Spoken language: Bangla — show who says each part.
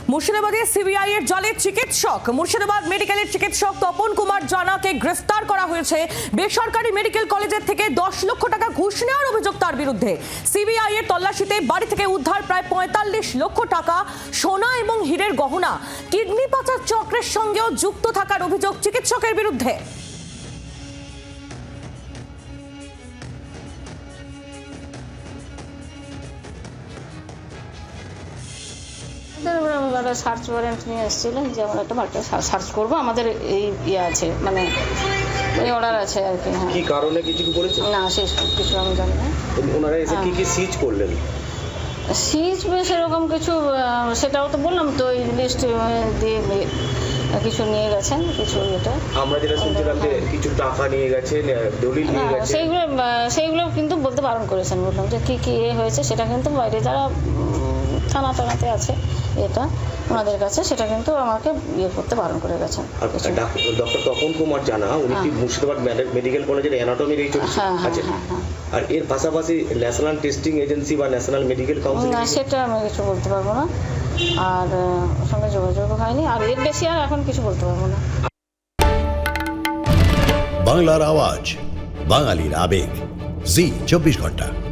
Speaker 1: মুর্শিদাবাদে সিবিআই এর জালে চিকিৎসক। মুর্শিদাবাদ মেডিকেলের চিকিৎসক তপন কুমার জানাকে গ্রেফতার করা হয়েছে। বেসরকারি মেডিকেল কলেজের থেকে 10 লক্ষ টাকা ঘুষ নেওয়ার অভিযোগ তার বিরুদ্ধে। সিবিআই এর তল্লাশিতে বাড়ি থেকে উদ্ধার প্রায় 45 লক্ষ টাকা, সোনা এবং হীরের গহনা। কিডনি পাচার চক্রের সঙ্গেও যুক্ত থাকার অভিযোগ চিকিৎসকের বিরুদ্ধে।
Speaker 2: আমরা সার্চ ওয়ারেন্ট নিয়ে এসেছিলেন যে আমরা একটা বাড়িটা সার্চ করবো, আমাদের এই ইয়ে আছে, মানে এই অর্ডার আছে আর কি। হ্যাঁ,
Speaker 3: কি কারণে কিছু করেছে
Speaker 2: না শেষ কিছু আমি জানি না।
Speaker 3: ওনারা এসে কি কি সিজ করলেন?
Speaker 2: সিজ সেরকম কিছু, সেটাও তো বললাম তো, এই লিস্ট দিয়ে কিছু নিয়ে গেছেন, কিছু এটা
Speaker 3: আমরা যেটা শুনছিলাম যে কিছু টাকা নিয়ে গেছেন, দলিল নিয়ে গেছেন।
Speaker 2: সেইগুলো কিন্তু বলতে বারণ করেছেন। বললাম যে কী কী এ হয়েছে সেটা কিন্তু বাইরে যারা থানাতে আছে এটা ওনাদের কাছে, সেটা কিন্তু আমাকে ইয়ে করতে বারণ করে গেছেন।
Speaker 3: ডক্টর তপন কুমার জানা, উনি কি মুর্শিদাবাদ মেডিকেল কলেজের অ্যানাটমির এই চলছে আছে, আর এর পাশাপাশি ন্যাশনাল টেস্টিং এজেন্সি বা ন্যাশনাল মেডিকেল কাউন্সিল,
Speaker 2: না সেটা আমি কিছু বলতে পারবো না, আর ওর সঙ্গে যোগাযোগ হয়নি, আর এর বেশি আর এখন কিছু বলতে পারবো না।
Speaker 4: বাংলার আওয়াজ, বাঙালির আবেগ, জি 24 ঘন্টা।